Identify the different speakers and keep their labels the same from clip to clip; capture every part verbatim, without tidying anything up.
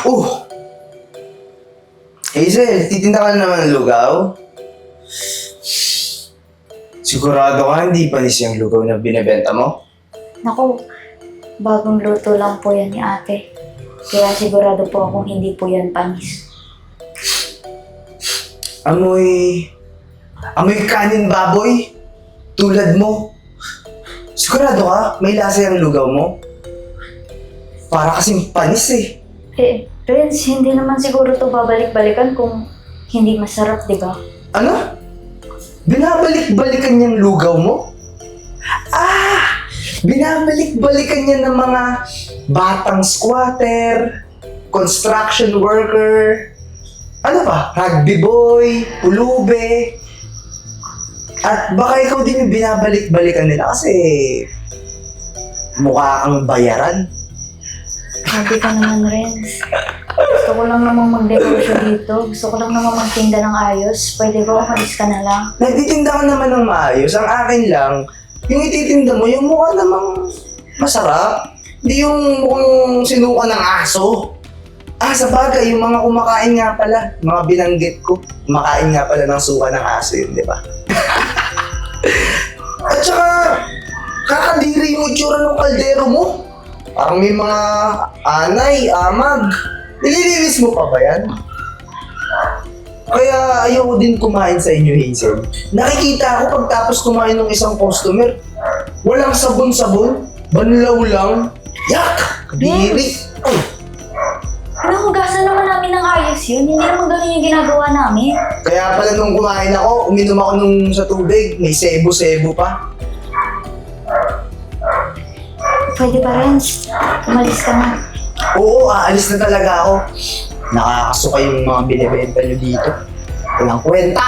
Speaker 1: Oh! Hazel, titinda ka na naman ng lugaw? Sigurado ka hindi panis yung lugaw na binibenta mo?
Speaker 2: Naku, bagong luto lang po yan ni ate. Kaya sigurado po akong hindi po yan panis.
Speaker 1: Amoy... Amoy kanin baboy? Tulad mo? Sigurado ka? May lasa yung lugaw mo? Para kasing panis eh.
Speaker 2: Eh, Prince, hindi naman siguro to babalik-balikan kung hindi masarap, di ba?
Speaker 1: Ano? Binabalik-balikan yung lugaw mo? Ah! Binabalik-balikan niya ng mga batang squatter, construction worker, ano ba? Rugby boy, pulube. At baka ikaw din yung binabalik-balikan nila kasi mukha kang bayaran.
Speaker 2: Sabi ka naman, Renz. Gusto ko lang naman mag-negosyo dito. Gusto ko lang naman magtinda ng ayos. Pwede ba umalis ka na lang?
Speaker 1: Nagtitinda ka naman ng maayos. Ang akin lang, yung ititinda mo, yung mukha namang masarap. Hindi yung mukhang sinuka ng aso. Ah, sa bagay, yung mga kumakain nga pala, mga binanggit ko, kumakain nga pala ng suka ng aso yun, di ba? At saka, kakadiri yung itsura ng kaldero mo. Parang may mga anay, amag. Nililinis mo pa ba yan? Kaya ayoko din kumain sa inyo, Hazel. Nakikita ko pagtapos kumain ng isang customer, walang sabon-sabon, banlaw lang. Yak! Kadiri! Oh.
Speaker 2: Nahugasan naman namin ng ayos yun. Hindi naman ganun yung ginagawa namin.
Speaker 1: Kaya pala nung kumain ako, uminom ako nung sa tubig, may sebo-sebo pa.
Speaker 2: Pwede ba, Renz? Umalis ka na.
Speaker 1: Oo, aalis na talaga ako. Nakakasuka yung mga binibenta nyo dito. Walang kwenta!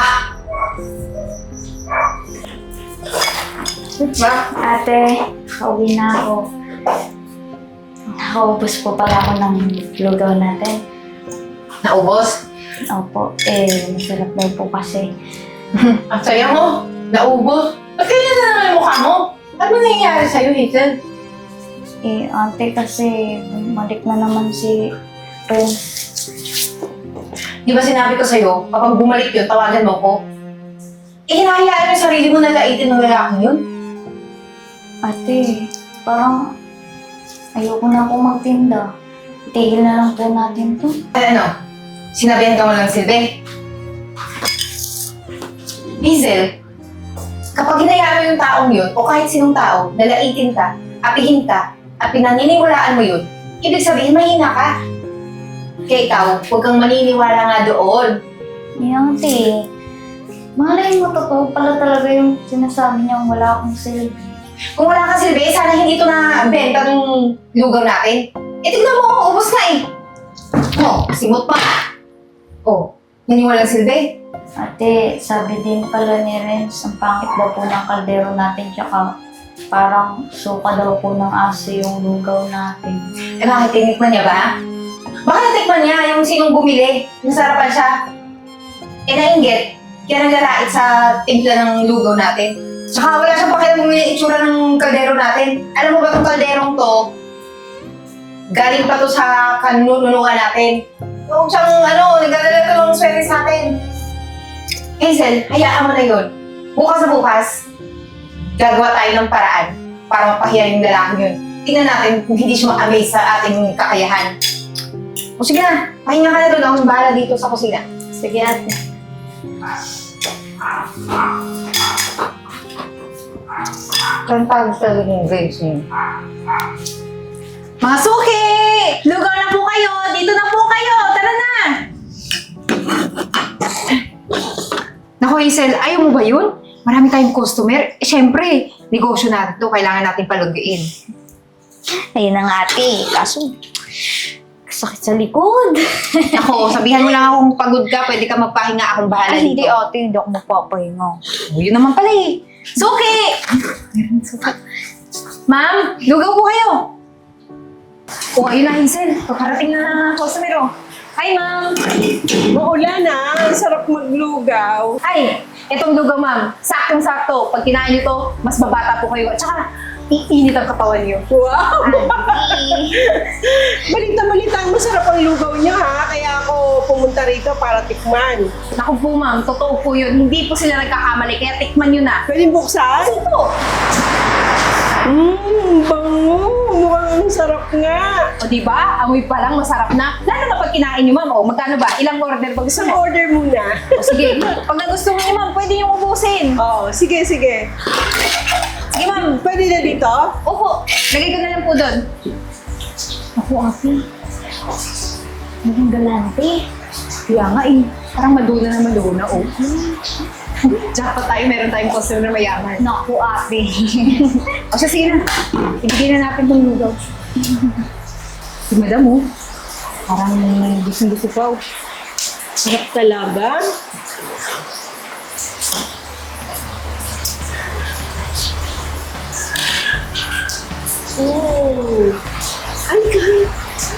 Speaker 2: Ba? Ate, pauwi na ako. Nakaubos po pala ako ng lugaw natin.
Speaker 3: Naubos?
Speaker 2: Opo, eh, masarap daw po kasi.
Speaker 3: Ang saya mo. Naubos. Ba't kaya na naman yung mukha mo? Ano nangyayari sa'yo, Hazel?
Speaker 2: Eh, ate, kasi bumalik na naman si Prince.
Speaker 3: Di ba sinabi ko sa'yo, kapag bumalik yun, tawagan mo ko? Eh, hinahayaan mo yung sarili mo na laitin ng lalaking yun?
Speaker 2: Ate, parang ayoko na akong magtinda. Itigil na lang po natin to.
Speaker 3: Ay, ano? Sinabihan ka mo lang, Silve? Hazel, kapag hinayaan mo yung taong yun, o kahit sinong tao, nalaitin ka, apihin ka, at pinaniniwalaan mo yun, ibig sabihin mahina ka. Kaya ikaw, huwag kang maniniwala nga doon.
Speaker 2: Eh, ate, malay mo totoo pala talaga yung sinasabi niyang wala akong silbi.
Speaker 3: Kung wala kang silbi, sana hindi ito na benta ng lugaw natin. Eh, tignan mo, ubos na eh. Oh, simot pa. Oh, yan yung walang silbi.
Speaker 2: Ate, sabi din pala ni Renz, ang pangit daw po ng kaldero natin, tsaka parang suka daw po ng aso yung lugaw natin.
Speaker 3: Eh, bakit tinikman niya ba? Baka natikman niya yung sinong bumili. Nasarapan siya. Eh, nainggit. Kaya naglalait sa timpla ng lugaw natin. Tsaka wala siyang pakialam kung yung itsura ng kaldero natin. Alam mo ba itong kalderong to? Galing pa to sa kanununuan natin. Huwag siyang, ano, nagdadala to ng swerte sa atin. Hazel, hayaan mo na yun. Bukas na bukas, gagawa tayo ng paraan para mapahiya yung lalaking yun. Tingnan natin kung hindi siya ma-amaze sa ating kakayahan. O sige na, pahinga ka na doon. Akong bahala dito sa kusina.
Speaker 2: Sige, ate.
Speaker 3: Kantag talaga yung grades niyo.
Speaker 4: Mga suki! Lugaw na po kayo! Dito na po kayo! Tara na!
Speaker 3: Naku, Hazel, ayaw mo ba yun? Marami tayong customer. Eh, syempre, negosyo natin to. Kailangan natin palugain.
Speaker 2: Ayun na nga, ate. Kaso, sakit sa likod.
Speaker 3: Ako, sabihan mo lang akong pagod ka. Pwede ka magpahinga. Akong bahala
Speaker 2: Ay, hindi,
Speaker 3: dito.
Speaker 2: ate. Hindi ako magpapahinga.
Speaker 3: Oh, yun naman pala eh.
Speaker 4: Suki! Ma'am, lugaw po kayo!
Speaker 3: Oh, ayun na, Hazel. Pagkarating na customer, oh.
Speaker 4: Hi, ma'am!
Speaker 5: Maulan na, ang sarap maglugaw.
Speaker 4: Ay, itong lugaw, ma'am. Saktong-sakto. Pag kinain niyo to, mas babata po kayo. At saka, iinit ang katawan niyo.
Speaker 5: Wow!
Speaker 2: Ate.
Speaker 5: Balita-balita lang, masarap ang lugaw niya ha. Kaya ako pumunta rito para tikman.
Speaker 4: Naku po ma'am, totoo po yun. Hindi po sila nagkakamali, kaya tikman nyo na.
Speaker 5: Pwede buksan?
Speaker 4: Opo.
Speaker 5: Mmm, bango. Mukhang ang sarap nga.
Speaker 4: O diba? Amoy pa lang, masarap na. Lalo na pag kinain nyo ma'am, o magkano ba? Ilang order ba gusto
Speaker 5: Isang
Speaker 4: mo?
Speaker 5: order muna.
Speaker 4: O sige, pag nagustuhan nyo ma'am, pwede nyo ubusin.
Speaker 5: Oo, sige, sige.
Speaker 4: Sige ma'am.
Speaker 5: Pwede na dito?
Speaker 4: Opo, lagay ko na lang po doon.
Speaker 2: Ako, ate. Naging galante.
Speaker 4: Kaya nga eh, parang maduna na maduna, oh. Jackpot tayo, meron tayong customer na mayaman.
Speaker 2: Naku, ate.
Speaker 4: O siya, sige na. Ibigay na natin itong lugaw. Si madam, oh. Parang gusto-gusto pa, oh.
Speaker 5: Sarap talaga. Oh. Ay, kahit.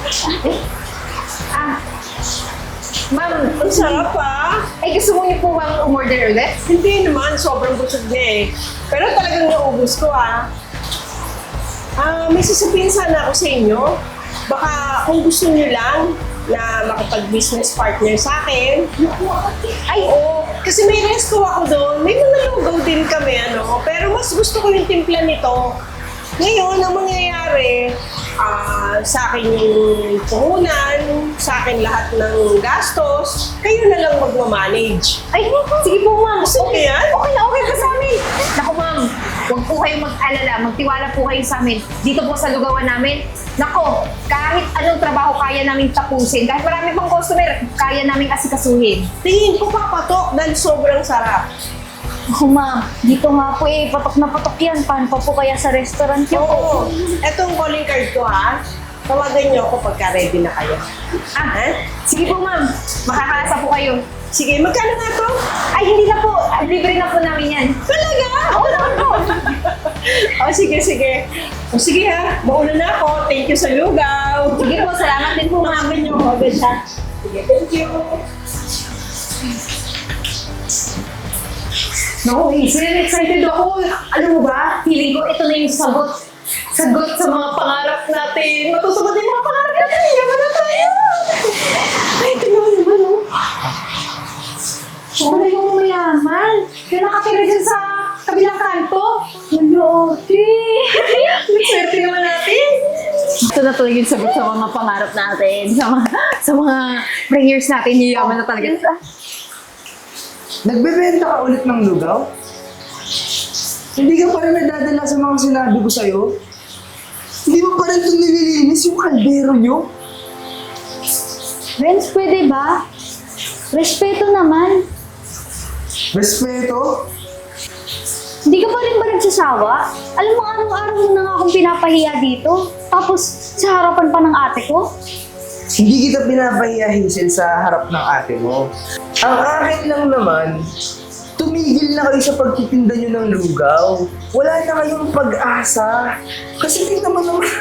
Speaker 4: Ah, ma'am,
Speaker 5: Ang sarap ah.
Speaker 4: ay gusto mo niyo po bang umorder ulit?
Speaker 5: Hindi naman, sobrang busog na eh. Pero talagang naubos ko ah. Ah, may sasabihin sana ako sa inyo. Baka kung gusto niyo lang na makapag-business partner sa akin. Ay, oo. Kasi may resto ako doon. May mga lugaw din kami, ano. Pero mas gusto ko yung timpla nito. Ngayon, ang mangyayari, ah, sa akin yung puhunan, sa akin lahat ng gastos, kayo na lang magmamanage.
Speaker 4: Ay, sige po ma'am.
Speaker 5: Gusto niyo yan?
Speaker 4: Okay na okay pa sa amin. Naku ma'am, huwag po kayong mag-alala. Magtiwala po kayo sa amin. Dito po sa lugawan namin. Nako, kahit anong trabaho kaya namin tapusin. Kahit marami pang customer, kaya namin asikasuhin.
Speaker 5: Tingin ko papatok dahil sobrang sarap.
Speaker 2: Ako, ma'am. Dito nga po eh. Patok na patok yan. Paano pa po kaya sa restaurant niyo?
Speaker 5: Oo. Etong calling card ko ha. Tawagan niyo ako pagka ready na kayo.
Speaker 4: Ah, sige po ma'am. Makakaasa po kayo.
Speaker 5: Sige, magkano nga to?
Speaker 4: Ay, hindi na po. Libre na po namin yan.
Speaker 5: Talaga?
Speaker 4: Oo naman po.
Speaker 5: O sige, sige. O sige ha, mauna na ako. Thank you sa lugaw.
Speaker 4: Sige po, salamat din po ma'am.
Speaker 5: Tumakan niyo ako agad ha. Sige, thank you.
Speaker 4: Naku, Hazel, excited ako. Alam mo ba, feeling ko ito na yung sagot. Sagot sa mga pangarap natin. Matutupad yung mga pangarap natin. Yaman na tayo. Ay, tingnan mo naman, oh. Siya na yung mayaman. Yung nakatira dyan sa kabilang kanto. Maluti. May swerte naman natin. Ito na talaga yung sagot sa mga pangarap natin. Sa mga, sa mga prayers natin. Yaman na talaga.
Speaker 1: Nagbebenta ka ulit ng lugaw? Hindi ka pa rin nadadala sa mga sinabi ko sa'yo? Hindi mo pa rin ito nililinis yung kaldero nyo?
Speaker 2: Renz, pwede ba? Respeto naman.
Speaker 1: Respeto?
Speaker 2: Hindi ka pa rin ba nagsasawa? Alam mo, araw-araw mo na nga akong pinapahiya dito. Tapos, sa harapan pa ng ate ko.
Speaker 1: Hindi kita pinapahiya, Hazel, sa harap ng ate mo. Ang akin lang naman, tumigil na kayo sa pagtitinda nyo ng lugaw. Wala na kayong pag-asa. Kasi tingnan mo naman.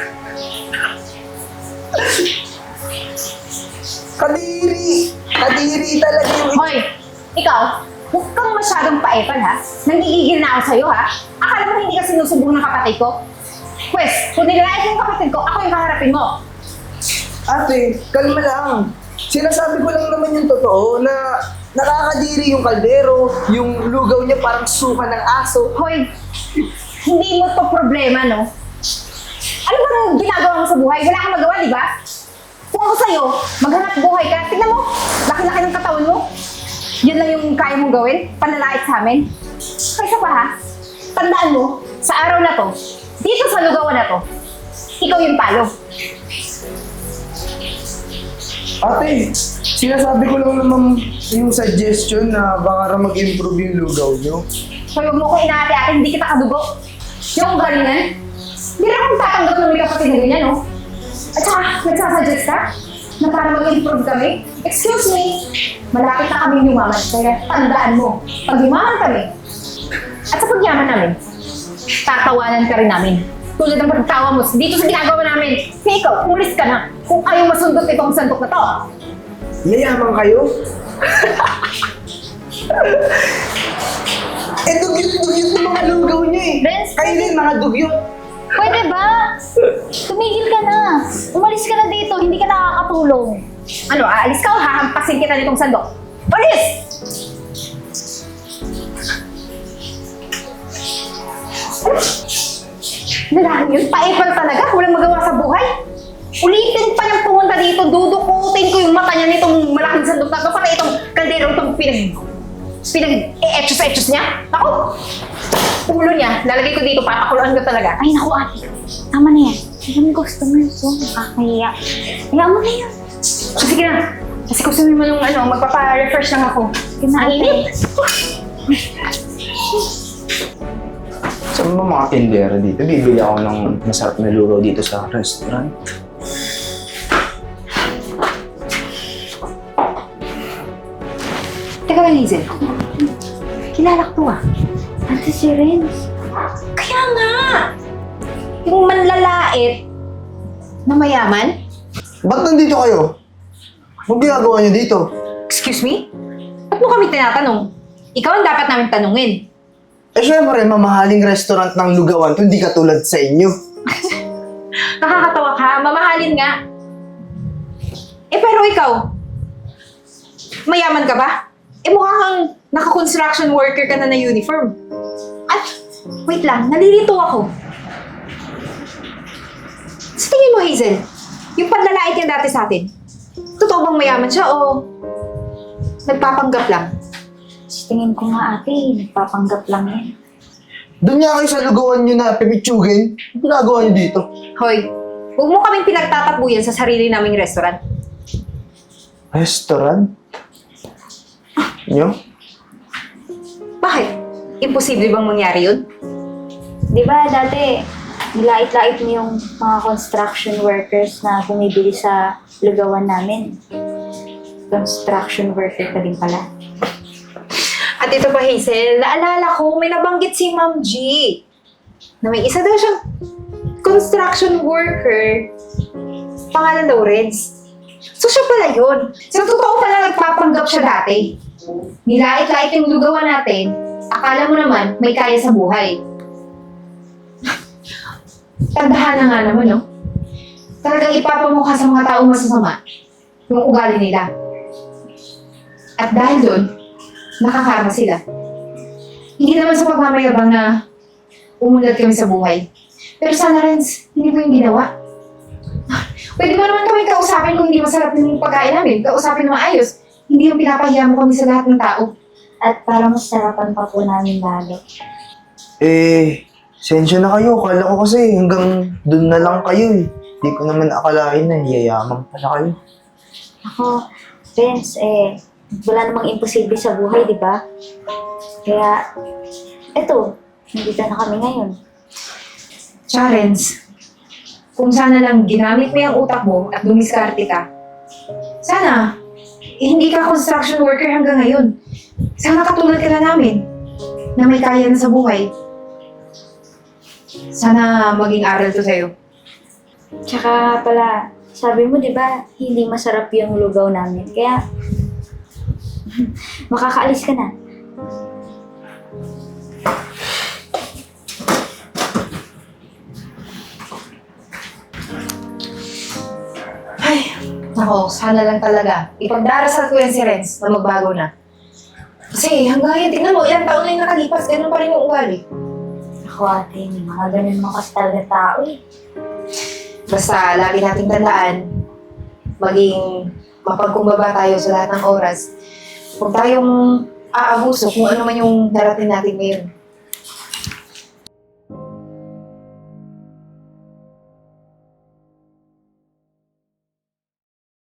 Speaker 1: Kadiri! Kadiri talaga yung...
Speaker 4: Hoy, ikaw, huwag kang masyadong paepal ha. Nangigigil na ako sa'yo ha. Akala mo hindi ka sinusubong ng kapatid ko? Pwes, kung nilalait mo yung kapatid ko, ako yung kaharapin mo.
Speaker 1: Ate, kalma lang. Sinasabi ko lang naman yung totoo na nakakadiri yung kaldero, yung lugaw niya parang suka ng aso.
Speaker 4: Hoy, hindi mo to problema, no? Ano ba ang ginagawa mo sa buhay? Wala kang magawa, di ba? Kung ako sa'yo, maghanap buhay ka. Tingnan mo, laki-laki ng katawan mo. Yun lang yung kaya mong gawin, panlalait sa amin. Kaysa pa ha, tandaan mo, sa araw na to, dito sa lugawan na to, ikaw yung talo.
Speaker 1: Ate, sinasabi ko lang naman yung suggestion na baka raw mag-improve yung lugaw nyo.
Speaker 4: So huwag mo ko inaate-ate, hindi kita kadugo. Yung galingan, hindi rin akong tatanggap ng may kapatid na ganyan, no? At saka, nagsasuggest ka na para mag-improve kami? Excuse me, malapit na kami yumaman, kaya tandaan mo, pag yumaman kami, at sa pagyaman namin, tatawanan ka rin namin. Tulad ng pagtawa mo dito sa ginagawa namin. Kaya ikaw, umalis ka na kung ayaw masundot itong sandok na to.
Speaker 1: Yayaman kayo? eh, dugyot-dugyot ng mga lugaw nyo eh.
Speaker 2: Renz,
Speaker 1: Kayo rin mga dugyot.
Speaker 2: Pwede ba? Tumigil ka na. Umalis ka na dito, hindi ka nakakatulong.
Speaker 4: Ano, aalis ka o hahampasin kita nitong sandok? Alis! Lalaki yun, paipal talaga, walang magawa sa buhay. Ulitin pa niyang pumunta dito, dudukutin ko yung mata niya nitong malaking sandok na to para itong kaldero itong pinag... pinag-e-etchos-etchos niya. Ako, ulo niya, lalagay ko dito, papakuluan ko talaga.
Speaker 2: Ay, naku ate. Tama na yan. Ang customers, so nakakahiya. Hayaan mo na yun.
Speaker 4: Sige na, kasi kusunin mo nung ano, magpapa-refresh lang ako.
Speaker 2: Sige na, ate.
Speaker 1: Saan ba mga tindera dito? Bibili ako ng masarap na luro dito sa restaurant.
Speaker 4: Teka lang, Hazel. Kilala ko to ah.
Speaker 2: Ate si Renz.
Speaker 4: Kaya nga! Yung manlalait na mayaman?
Speaker 1: Ba't nandito kayo? Anong ginagawa niyo dito?
Speaker 4: Excuse me? Ba't mo kami tinatanong? Ikaw ang dapat namin tanungin.
Speaker 1: Eh syempre, mamahaling restaurant ng Lugawan to, hindi katulad sa inyo.
Speaker 4: Nakakatawa ka, mamahalin nga. Eh pero ikaw, mayaman ka ba? Eh mukha kang naka-construction worker ka na na uniform. At, wait lang, nalilito ako. Sa tingin mo, Hazel, yung panlalait niya dati sa atin, totoo bang mayaman siya o nagpapanggap lang?
Speaker 2: Sa tingin ko nga ate, nagpapanggap lang yan.
Speaker 1: Doon nga kayo sa Lugawan nyo na pipitsugin. Anong ginagawa niyo dito?
Speaker 4: Hoy, huwag mo kaming pinagtatakbuyan sa sarili naming restaurant.
Speaker 1: Restaurant? Nyo?
Speaker 4: Bakit? Imposible bang mangyari yun?
Speaker 2: Di ba dati, nilait-lait mo yung mga construction workers na bumibili sa lugawan namin. Construction worker ka din pala.
Speaker 4: At ito pa, Hazel, naalala ko, may nabanggit si Ma'am G na may isa daw siyang construction worker, pangalan Lawrence. So siya pala yun. So totoo pala nagpapanggap siya dati. Nilait-lait yung lugawan natin, akala mo naman may kaya sa buhay. Tandaan na nga naman, no? Talagang ipapamukha sa mga taong masasama yung ugali nila. At dahil doon, nakakarma sila. Hindi naman sa pagmamayabang na umunlad kami sa buhay. Pero sana, Renz, hindi mo yung ginawa. Pwede mo naman kami kausapin kung hindi masarap yung pagkain namin. Kausapin na maayos. Hindi yung pinapahiya mo kami sa lahat ng tao.
Speaker 2: At para masarapan pa po namin lalo.
Speaker 1: Eh, sensya na kayo. Kala ko kasi hanggang doon na lang kayo eh. Hindi ko naman akalain na yayaman pala kayo.
Speaker 2: Ako, Renz, eh, wala namang imposible sa buhay, di ba? Kaya, eto, nandito na kami ngayon.
Speaker 4: Tsaka, Renz, kung sana lang ginamit mo yung utak mo at dumiskarte ka, sana, eh, hindi ka construction worker hanggang ngayon. Sana katulad ka na namin, na may kaya na sa buhay. Sana maging aral to sa'yo.
Speaker 2: Tsaka pala, sabi mo, di ba, hindi masarap yung lugaw namin. Kaya, makakaalis ka na.
Speaker 4: Ay, nako, sana lang talaga. Ipagdarasal ko yan si Renz na magbago na. Kasi hanggang ngayon, tingnan mo, ilang taon na yung nakalipas, ganun pa rin yung ugali.
Speaker 2: Ako ate, may mga ganun mga kasi talaga tao eh.
Speaker 4: Basta lagi nating tandaan, maging mapagkumbaba tayo sa lahat ng oras. Huwag tayong aabuso kung ano man yung darating natin ngayon.